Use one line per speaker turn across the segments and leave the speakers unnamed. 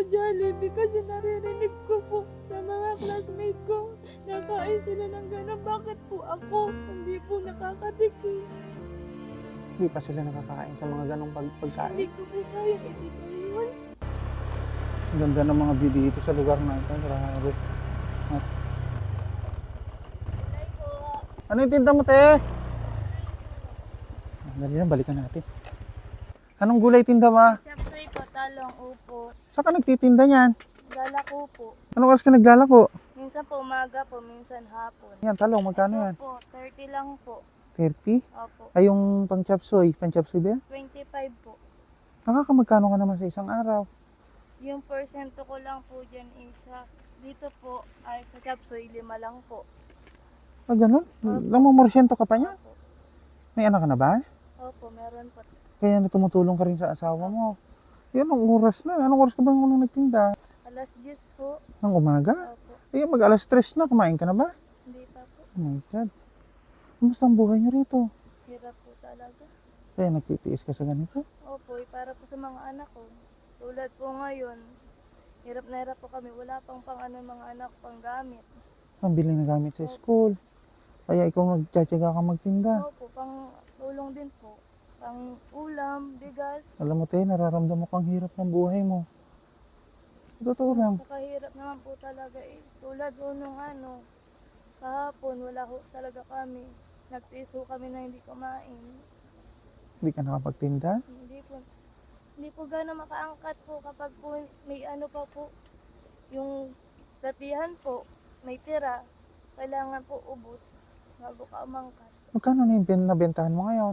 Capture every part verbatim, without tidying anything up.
Jollibee kasi naririnig ko po sa mga classmate ko. Nakain sila ng gano'n. Bakit po ako hindi po nakakatikim?
Hindi pa sila nakakain sa mga ganong pag
Hindi
pagkain.
ko po kaya ibigay yun.
Ang ganda ng mga view dito sa lugar na ito. Grabe. Ah. Ano yung tinda mo, te? Ah, dali na, balikan natin. Anong gulay tinda ma?
Chapsoy po, talong, upo.
Saan ka nagtitinda niyan?
Lalako po.
Anong oras ka naglalako?
Minsan po umaga po, minsan hapon.
Yan, talong, magkano yan?
Opo, thirty lang po.
thirty?
Opo,
Ay, yung pang chapsoy. Pang chapsoy ba yan?
twenty-five po.
Nakakamagkano ka naman sa isang araw?
Yung porsyento ko lang po dyan isa. Dito po ay sa chapsoy, lima lang po.
Ah, ganun? Namumorsyento ka pa niya?
Opo,
May anak ka na ba?
opo, meron po.
Kaya na tumutulong ka rin sa asawa mo. Yan, ang oras na. Anong oras ka ba nung nagtinda?
Alas diyes po.
Ng umaga?
Opo,
Eh, mag alas tres na. Kumain ka na ba?
hindi pa po.
Oh my God. Kumusta ang buhay niyo rito?
Hirap po talaga.
Kaya nagtitiis ka sa ganito?
Opo, eh, para po sa mga anak ko. Tulad po ngayon, hirap na hirap po kami. Wala pang pang ano mga anak pang gamit.
Pambili na gamit sa school. Kaya ikaw nagtsatsaga ka magtinda.
Opo, pang tulong din po. Pang ulam, bigas.
Alam mo, te, nararamdaman ko ang hirap ng buhay mo. Totoo lang.
Nakahirap naman po talaga eh. Tulad po nung ano, kahapon wala ho talaga kami. Nagtiis ho kami na hindi kumain.
Hindi ka nakapagtinda.
Hindi po, hindi po gano'ng makaangkat po kapag po may ano pa po. Yung latihan po, may tira. Kailangan po ubos bago ka umangkat.
Magkano na yung bin- nabentahan mo ngayon?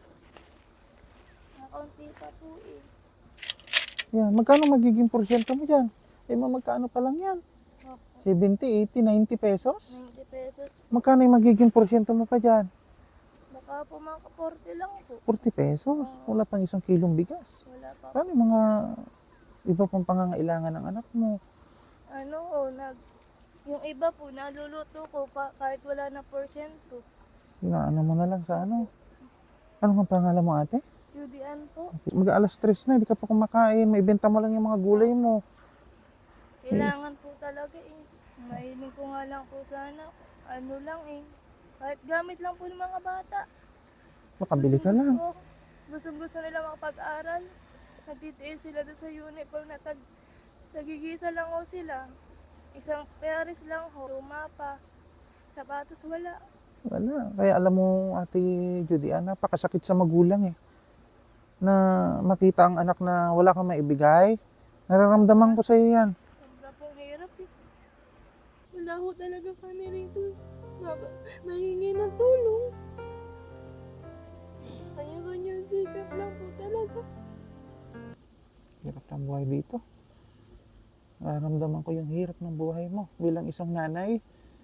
Nakaunti pa po eh.
Yan. Magkano magiging porsyento mo dyan? Eh, ma, magkano pa lang yan?
Opo,
seventy, eighty, ninety pesos?
ninety pesos.
Magkano yung magiging porsyento mo pa dyan?
Baka po mga forty lang po.
forty pesos. Wala pang isang kilong bigas.
Wala pa po.
Paano yung mga iba pang pangangailangan ng anak mo?
Ano ho, nag, yung iba po, naluluto ko pa kahit wala na porsyento.
Inaano mo na lang sa ano? Ano nga pangalan mo, ate?
Judian po.
Mag alas tres na, hindi ka pa kumakain. May benta mo lang yung mga gulay mo.
Kailangan po talaga eh. Mahiling ko nga lang po sana. Ano lang eh. Kahit gamit lang po ng mga bata.
Makabili ka lang.
Gusto, gusto nila makapag-aral. Nagtitiis sila doon sa uniform na tag, nagigisa lang ho sila. Isang pares lang ho. Luma pa. Sapatos wala.
Wala. Kaya alam mo, ate Judy, ah, napakasakit sa magulang eh. Na makita ang anak na wala kang maibigay. Nararamdaman ko sa iyo yan.
Sobra pong hirap eh. Wala ho talaga kami rito. Mab- Mahingi ng tulong. Kanya-kanyang sikap lang po talaga.
Hirap ng buhay dito. Nararamdaman ko yung hirap ng buhay mo bilang isang nanay.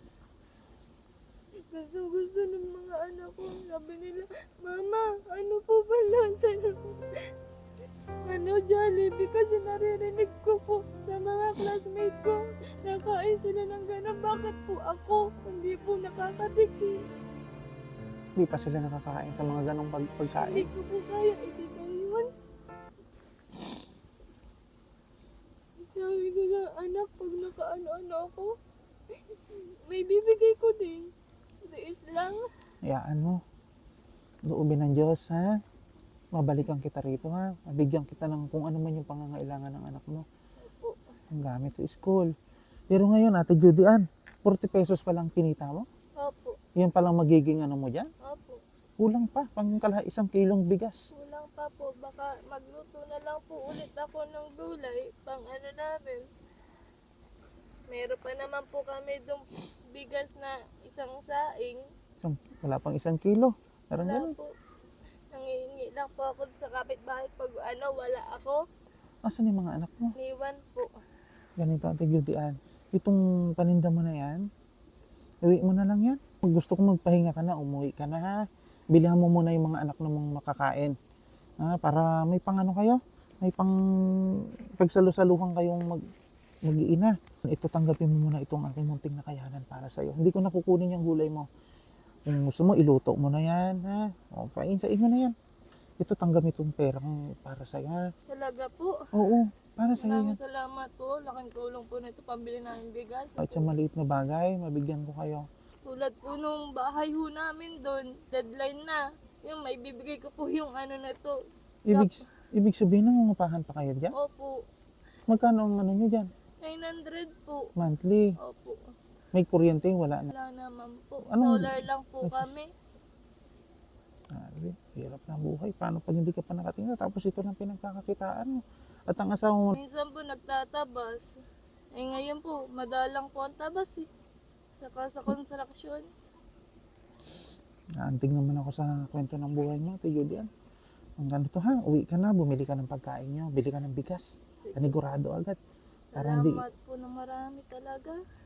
Gusto gusto ng mga anak ko. Sabi nila, Mama, ano po ba lasa ng ano, Jollibee? Kasi naririnig ko po sa mga classmate ko. Nakain sila ng gano'n. Bakit po ako hindi po nakakatikim?
Hindi pa sila nakakain sa mga ganong pag
Hindi
pagkain.
ko po kaya ibigay yun. Sabi ko na, anak, pag nakaano-ano ako, may bibigay ko din. Tiis lang.
Hayaan mo. Loobin ng Diyos, ha? Mabalikan kita rito, ha? Mabigyan kita ng kung ano man yung pangangailangan ng anak mo.
Opo.
Ang gamit sa school. Pero ngayon, ate Judy Ann, forty pesos pa lang kinita mo?
Opo.
Yan palang magiging ano mo dyan?
Opo.
Kulang pa, pang kala isang kilong bigas.
Kulang pa po. Baka magluto na lang po ulit ako ng gulay. Pang ano namin. Meron pa naman po kami dong bigas na isang saing.
Isang, wala pang isang kilo. Parang
Wala
ganun.
po. Nangihingi lang po ako sa kapitbahay pag ano, wala ako.
Asan yung mga anak mo?
Niwan po.
Ganito, ate Judy Ann. Itong paninda mo na yan, iwi mo na lang yan. Pag gusto ko magpahinga ka na, umuwi ka na, ha? Bilhan mo muna yung mga anak na mong makakain. Ha? Para may pang ano kayo, may pang pagsalusaluhan kayong mag mag-iina. Ito, tanggapin mo muna itong aking munting na kayanan para sa'yo. Hindi ko nakukunin yung gulay mo. Kung gusto mo, iluto mo na yan, ha? O, pain, sain mo na yan. Ito, tanggap itong perang para sa'yo, ha?
Talaga po.
Oo. Para sa iyo
Maraming
yan.
salamat po. Laking tulong po nito pambili namin bigas.
Kahit sa maliit na bagay, mabigyan ko kayo.
Tulad po nung bahay ho namin doon, deadline na. Yung may bibigay ko po yung ano na to.
Ibig, ibig sabihin, nangungupahan pa kayo dyan?
Opo,
Magkano ang ano nyo dyan?
nine hundred po.
Monthly.
Opo,
May kuryente, wala na.
wala naman po.
Anong-
Solar lang po
Nagsus-
kami.
Sabi, hirap na buhay. Paano pag hindi ka pa nakatingin? Tapos ito lang pinagkakakitaan mo. At ang asawa mo,
Minsan po nagtatabas. Eh ngayon po, madalang po ang tabas eh. Saka sa construction.
naantig naman ako sa kwento ng buhay mo, Ate Julian. Ang ganito ha, uwi ka na, bumili ka ng pagkain nyo, bili ka ng bigas.
Sige.
Panigurado agad. Para hindi,
Salamat po ng marami talaga.